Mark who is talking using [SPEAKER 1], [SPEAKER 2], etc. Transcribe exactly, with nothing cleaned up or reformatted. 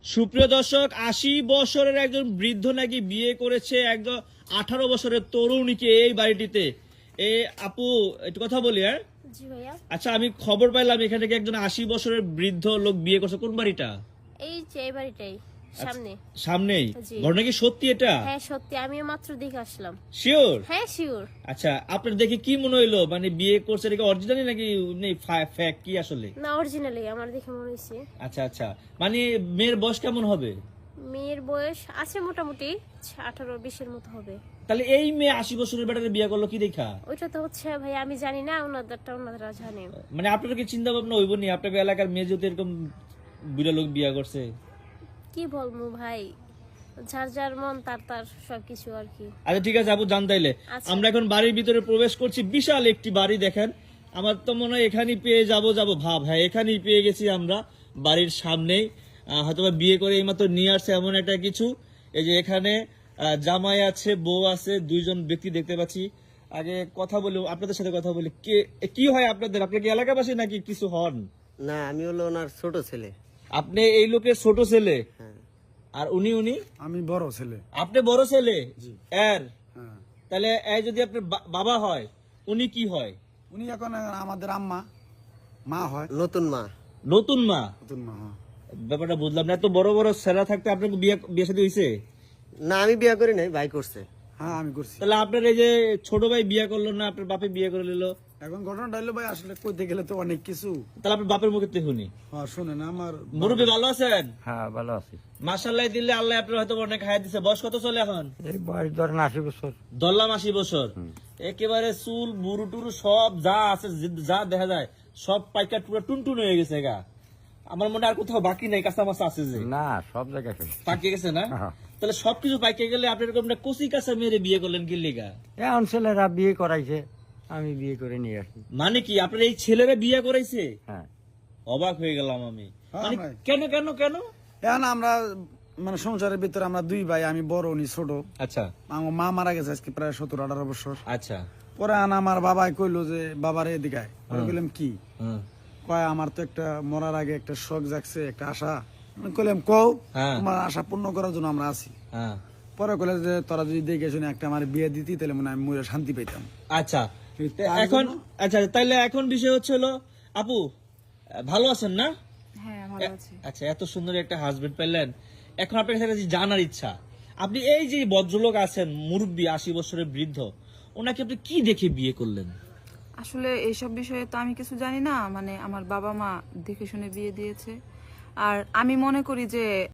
[SPEAKER 1] সুপ্রিয় দর্শক, আশি বছরের একজন বৃদ্ধ নাকি বিয়ে করেছে একজন আঠারো বছরের তরুণীকে এই বাড়িটিতে। এ আপু একটু কথা বলি। হ্যাঁ
[SPEAKER 2] জি ভাইয়া।
[SPEAKER 1] আচ্ছা, আমি খবর পাইলাম এখানে নাকি একজন আশি বছরের বৃদ্ধ লোক বিয়ে করছে। কোন বাড়িটা?
[SPEAKER 2] এই যে এই বাড়িটাই সামনে।
[SPEAKER 1] সামনেই?
[SPEAKER 2] জি।
[SPEAKER 1] ঘটনা কি সত্যি এটা?
[SPEAKER 2] হ্যাঁ সত্যি, আমিও মাত্র দেখে আসলাম।
[SPEAKER 1] শিওর?
[SPEAKER 2] হ্যাঁ শিওর।
[SPEAKER 1] আচ্ছা, আপনার দেখে কি মনে হইলো? মানে বিয়ে করছে এটা অরিজিনালি নাকি ফেক কি আসলে?
[SPEAKER 2] না অরিজিনালি আমার দেখে মনে হয়েছে।
[SPEAKER 1] আচ্ছা আচ্ছা, মানে মেয়ের বয়স কেমন হবে?
[SPEAKER 2] মেয়ের বয়স আছে মোটামুটি আঠারো বিশের মতো হবে।
[SPEAKER 1] তাহলে এই মেয়ে আশি বছরের বেটারে বিয়ে করলো কি দেখা?
[SPEAKER 2] ওইটা তো হচ্ছে ভাই আমি জানি না, ওনাদেরটা ওনারা জানে।
[SPEAKER 1] মানে আপনার কি চিন্তা ভাবনা হইব নি আপনার এলাকার মেয়ে যদি এরকম বুড়া লোক বিয়ে করছে?
[SPEAKER 2] কি বলবো ভাই, যার যার মন তার তার সবকিছু আর কি।
[SPEAKER 1] আচ্ছা ঠিক আছে আপু, জান তাইলে
[SPEAKER 2] আচ্ছা।
[SPEAKER 1] আমরা এখন বাড়ির ভিতরে প্রবেশ করছি। বিশাল একটি বাড়ি দেখেন, আমার তো মনে হয় এখানেই পেয়ে যাব যাব ভাব। হ্যাঁ এখানেই পেয়ে গেছি আমরা, বাড়ির সামনেই। হয়তো বিয়ে করে এইমাত্র নিয়ে আসছে এমন একটা কিছু। এই যে এখানে আহ, জামাই আছে, বউ আছে, দুইজন ব্যক্তি দেখতে পাচ্ছি। আগে কথা বলি, আপনাদের সাথে কথা বলি। কে কি হয় আপনাদের? আপনার কি এলাকাবাসী নাকি কিছু হন?
[SPEAKER 3] না, আমি হলো ওনার ছোট ছেলে।
[SPEAKER 1] আপনি এই লোকের ছোট ছেলে?
[SPEAKER 3] হ্যাঁ।
[SPEAKER 1] আর উনি উনি
[SPEAKER 4] আমি বড় ছেলে।
[SPEAKER 1] আপনি বড় ছেলে এর?
[SPEAKER 4] হ্যাঁ।
[SPEAKER 1] তাহলে এই যদি আপনার বা- বাবা হয়, উনি কি হয়?
[SPEAKER 4] উনি এখন আমাদের আম্মা মা হয়।
[SPEAKER 3] নতুন মা।
[SPEAKER 1] নতুন মা?
[SPEAKER 4] নতুন মা, হ্যাঁ।
[SPEAKER 1] ব্যাপারটা বুঝলাম না। এত বড় বড় ছেলে থাকতে আপনার বিয়ে বিয়ে সাথে হয়েছে?
[SPEAKER 3] না, আমি বিয়ে করি নাই, ভাই করছে।
[SPEAKER 4] হ্যাঁ আমি করছি।
[SPEAKER 1] তাহলে আপনার এই যে ছোট ভাই বিয়ে করলো না, আপনার বাপে বিয়ে করে নিল?
[SPEAKER 4] এখন ঘটনাটা হলো ভাই, আসলে কইতে গেলে তো অনেক কিছু।
[SPEAKER 1] তাহলে আপনার বাপের মুখে শুনি।
[SPEAKER 4] হ্যাঁ শুনেন, আমার
[SPEAKER 1] মুরব্বী ভালো আছেন?
[SPEAKER 5] হ্যাঁ ভালো আছি।
[SPEAKER 1] মাশাআল্লাহ দিলে আল্লাহ আপনার হয়তো অনেক খাইয়া দিছে। বয়স কত চলে এখন?
[SPEAKER 5] এই বয়স ধরেন আশি বছর।
[SPEAKER 1] ধরলাম আশি বছর। একেবারে চুল বুড়ু টুরু সব যা আছে, যা দেখা যায় সব পাইকার পুরো টুনটুন হয়ে গেছে গা। আমার মনে হয় আর কোথাও বাকি নাই, কাঁচা মাছা আছে যে।
[SPEAKER 5] না সব জায়গায় শেষ।
[SPEAKER 1] পাকিয়ে গেছে না?
[SPEAKER 5] হ্যাঁ।
[SPEAKER 1] তাহলে সবকিছু পাইকে গেলে আপনি এরকম একটা কচি কাঁচা মেরে বিয়ে করলেন কি লিগা?
[SPEAKER 5] এখন ছেলেরা বিয়ে করাইছে, আমি বিয়ে করে নিয়ে আসি।
[SPEAKER 1] মানে কি আপনার এই ছেলেরা বিয়ে করাইছে?
[SPEAKER 5] হ্যাঁ।
[SPEAKER 1] অবাক হয়ে গেলাম আমি।
[SPEAKER 4] হ্যাঁ
[SPEAKER 1] মানে
[SPEAKER 4] ভাই।
[SPEAKER 1] কেন কেন কেন?
[SPEAKER 4] এখন আমরা মানে সংসারের ভিতরে আমরা দুই ভাই, আমি বড় উনি ছোট।
[SPEAKER 1] আচ্ছা
[SPEAKER 4] আমার মা মারা গেছে আজকে প্রায় সতেরো আঠারো বছর।
[SPEAKER 1] আচ্ছা।
[SPEAKER 4] পরে আন আমার বাবাই কইলো যে বাবার এদিকে আয়। পরে কইলাম কি?
[SPEAKER 1] হুম।
[SPEAKER 4] কয় আমার তো একটা মরার আগে একটা শখ জাগছে, একটা আশা। আমি কইলাম কও,
[SPEAKER 1] হ্যাঁ।
[SPEAKER 4] তোমার আশা পূর্ণ করার জন্য আমরা আছি।
[SPEAKER 1] হ্যাঁ।
[SPEAKER 4] পরে কইলে যে তোরা যদি দেখে শুনে একটা আমার বিয়ে দিতি তাহলে মনে হয় আমি মরে শান্তি পাইতাম।
[SPEAKER 1] আচ্ছা
[SPEAKER 4] তার
[SPEAKER 1] এখন
[SPEAKER 4] জন্য-
[SPEAKER 1] আচ্ছা তাইলে এখন বিষয় হচ্ছে হলো, আপু ভালো আছেন না?
[SPEAKER 6] হ্যাঁ ভালো আছি।
[SPEAKER 1] আচ্ছা, এত সুন্দর একটা হাজবেন্ড পেলেন। এখন আপনার কাছে যে জানার ইচ্ছা, আপনি এই যে ভদ্রলোক আছেন মুরব্বী আশি বছরের বৃদ্ধ, ওনাকে আপনি কি দেখে বিয়ে করলেন?
[SPEAKER 6] আসলে এইসব বিষয়ে তো আমি কিছু জানি না, মানে আমার বাবা মা দেখে শুনে বিয়ে দিয়েছে। আর আমি মনে করি যে